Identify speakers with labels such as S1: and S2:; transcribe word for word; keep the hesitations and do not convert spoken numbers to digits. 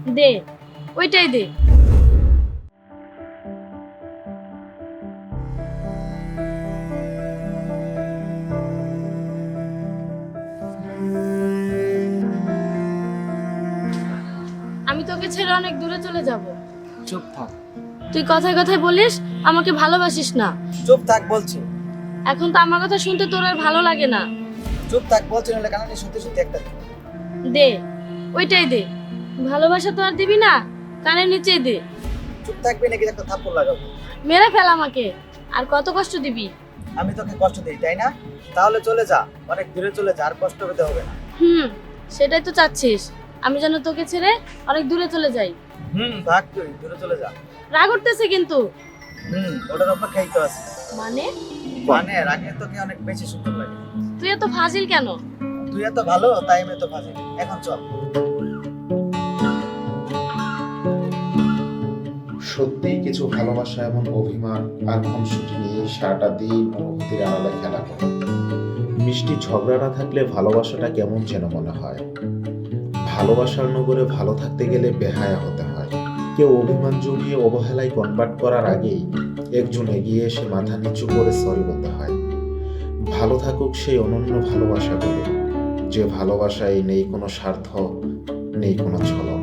S1: দে, ওইটাই দে। আমি তোকে ছেড়ে অনেক দূরে চলে যাব।
S2: চুপ থাক।
S1: তুই কথায় কথায় বলিস আমাকে ভালোবাসিস না।
S2: চুপ থাক বলছি।
S1: এখন তো আমার কথা শুনতে তোর আর ভালো লাগে না।
S2: চুপ থাক বলছি, নাহলে কানে সত্যি সত্যি একটা দিবো।
S1: দে, ওইটাই দে। ভালোবাসা তো আর দিবি না, কানের নিচেই দে।
S2: চুপ থাকবি নাকি একটা থাপ্পড় লাগাবো?
S1: মেরে ফেল আমাকে। আর কত কষ্ট দিবি?
S2: আমি তোকে কষ্ট দিই তাই না? তাহলে চলে যা, অনেক দূরে চলে যা, আর কষ্ট পেতে হবে না।
S1: হুম, সেটাই তো চাচ্ছিস, আমি যেন তোকে ছেড়ে অনেক দূরে চলে যাই।
S2: হুম, ভাগ তুই দূরে চলে যা।
S1: রাগ উঠতেছে কিন্তু।
S2: হুম, ওটার অপেক্ষাই তো আছে।
S1: মানে?
S2: মানে রাগে তোকে অনেক বেশি সুন্দর লাগে।
S1: তুই এত ফাজিল কেন?
S2: তুই এত ভালো তাই আমি এত ফাজি। এখন চল।
S3: সত্যিই কিছু ভালোবাসা এমন অভিমান আর খুনসুটি নিয়ে সারাটা দিন অনুভূতির আড়ালে খেলা করে। মিষ্টি ঝগড়া না থাকলে ভালোবাসাটা কেমন যেন মনে হয়। ভালোবাসার নগরে ভালো থাকতে গেলে বেহায়া হতে হয়। কেউ অভিমান জমিয়ে অবহেলায় কনভার্ট করার আগেই একজন এগিয়ে এসে মাথা নিচু করে সরি বলতে হয়। ভালো থাকুক সেই অনন্য ভালোবাসাগুলো, যে ভালোবাসায় নেই কোনো স্বার্থ, নেই কোনো ছলক।